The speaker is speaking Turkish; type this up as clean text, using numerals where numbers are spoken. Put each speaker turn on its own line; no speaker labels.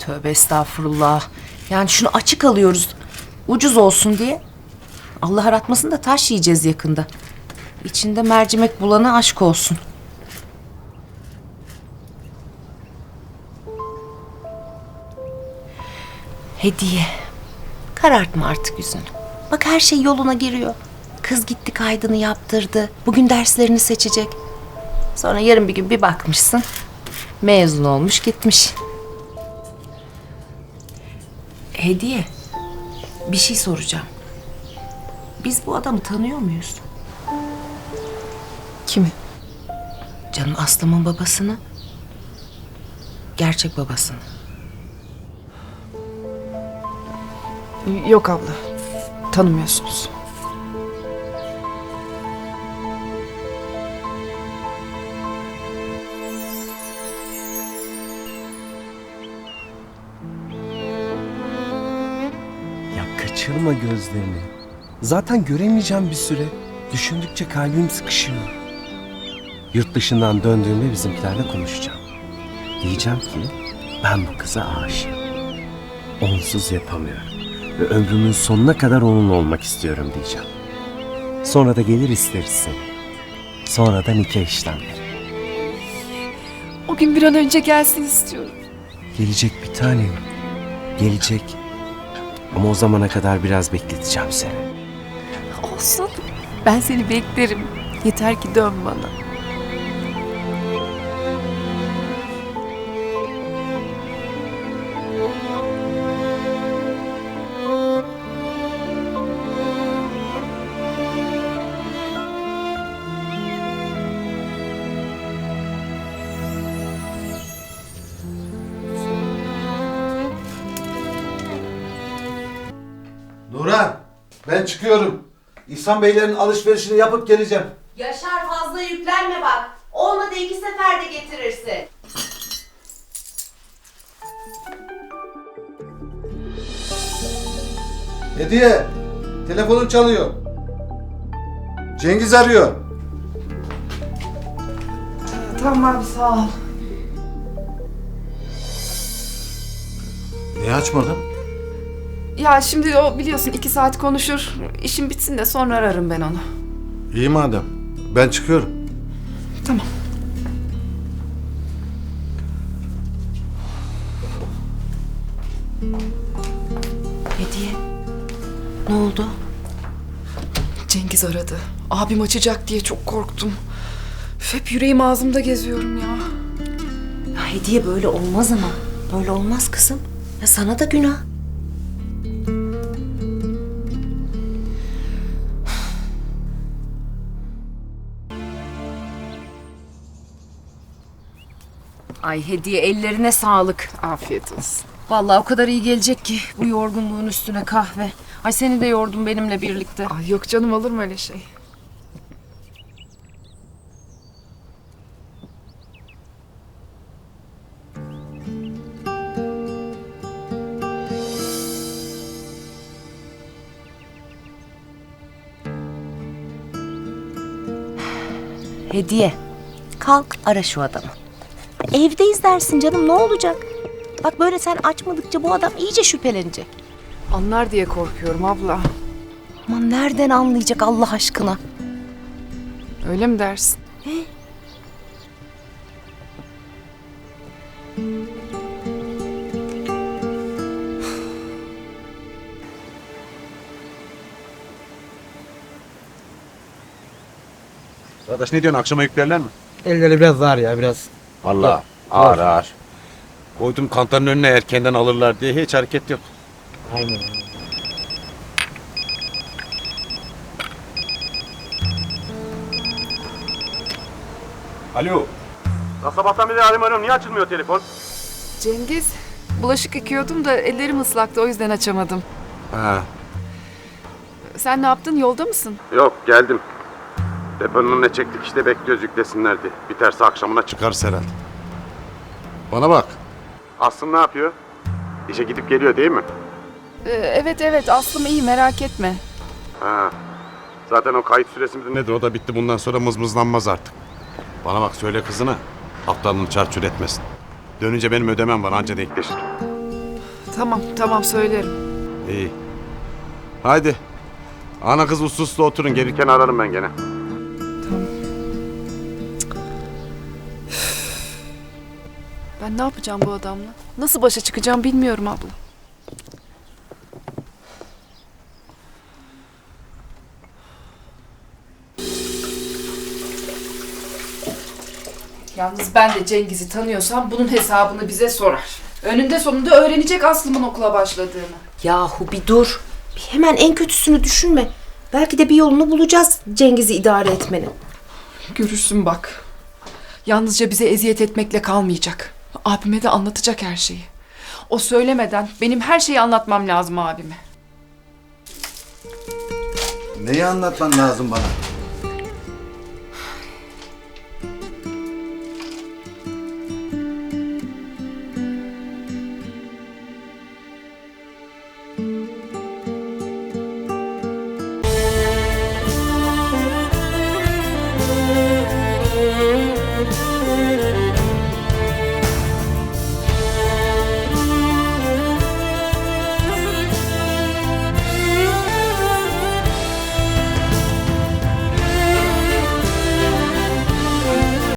Tövbe estağfurullah. Yani şunu açık alıyoruz. Ucuz olsun diye. Allah aratmasın da taş yiyeceğiz yakında. İçinde mercimek bulana aşk olsun. Hediye. Karartma artık yüzünü. Bak her şey yoluna giriyor. Kız gitti kaydını yaptırdı. Bugün derslerini seçecek. Sonra yarın bir gün bir bakmışsın. Mezun olmuş gitmiş. Hediye. Bir şey soracağım. Biz bu adamı tanıyor muyuz?
Kimi?
Canım Aslım'ın babasını. Gerçek babasını.
Yok abla. Tanımıyorsunuz.
Ya kaçırma gözlerini. Zaten göremeyeceğim bir süre. Düşündükçe kalbim sıkışıyor. Yurt dışından döndüğümde bizimkilerle konuşacağım. Diyeceğim ki ben bu kıza aşığım. Onsuz yapamıyorum. Ve ömrümün sonuna kadar onunla olmak istiyorum diyeceğim. Sonra da gelir isteriz seni. Sonra da nikah işlemleri.
O gün bir an önce gelsin istiyorum.
Gelecek bir tanem. Gelecek. Ama o zamana kadar biraz bekleteceğim seni.
Olsun. Ben seni beklerim. Yeter ki dön bana.
Nurhan, ben çıkıyorum. İhsan Beylerin alışverişini yapıp geleceğim.
Yaşar fazla yüklenme bak. Olmadı 2 seferde getirirsin.
Hediye, telefonun çalıyor. Cengiz arıyor.
Tamam abi sağ ol.
Niye açmadın?
Ya şimdi o biliyorsun 2 saat konuşur. İşim bitsin de sonra ararım ben onu.
İyi madem. Ben çıkıyorum.
Tamam.
Hediye. Ne oldu?
Cengiz aradı. Abim açacak diye çok korktum. Üf, hep yüreğim ağzımda geziyorum ya.
Ya Hediye böyle olmaz ama. Böyle olmaz kızım. Ya sana da günah. Ay Hediye ellerine sağlık.
Afiyet olsun.
Vallahi o kadar iyi gelecek ki bu yorgunluğun üstüne kahve. Ay seni de yordum benimle birlikte.
Ay yok canım olur mu öyle şey?
Hediye. Kalk ara şu adamı. Evdeyiz dersin canım ne olacak? Bak böyle sen açmadıkça bu adam iyice şüphelenecek.
Anlar diye korkuyorum abla.
Aman nereden anlayacak Allah aşkına?
Öyle mi dersin?
Arkadaş ne diyorsun, akşama yüklerler mi?
Elleri biraz ağır ya biraz.
Vallahi ağır ağır. Koydum kantarın önüne erkenden alırlar diye hiç hareket yok.
Aynen.
Alo. Ya sabahtan beri arıyorum, niye açılmıyor telefon?
Cengiz, bulaşık yıkıyordum da ellerim ıslaktı o yüzden açamadım.
Ha.
Sen ne yaptın? Yolda mısın?
Yok, geldim. Deponun önüne çektik işte, bekliyoruz yüklesinler diye. Biterse akşamına çıkarız herhalde. Bana bak. Aslım ne yapıyor? İşe gidip geliyor değil mi?
Evet Aslım iyi merak etme.
Ha. Zaten o kayıt süresi midir nedir, o da bitti, bundan sonra mızmızlanmaz artık. Bana bak, söyle kızına aptalını çarçur etmesin. Dönünce benim ödemem var, anca denkleşir.
Tamam söylerim.
İyi. Haydi. Ana kız uslu uslu oturun. Gelirken ararım ben gene.
Ben ne yapacağım bu adamla? Nasıl başa çıkacağım bilmiyorum abla. Yalnız ben de Cengiz'i tanıyorsam bunun hesabını bize sorar. Önünde sonunda öğrenecek Aslım'ın okula başladığını.
Yahu bir dur. Bir hemen en kötüsünü düşünme. Belki de bir yolunu bulacağız Cengiz'i idare etmenin.
Görürsün bak. Yalnızca bize eziyet etmekle kalmayacak. Abime de anlatacak her şeyi. O söylemeden benim her şeyi anlatmam lazım abime.
Neyi anlatman lazım bana?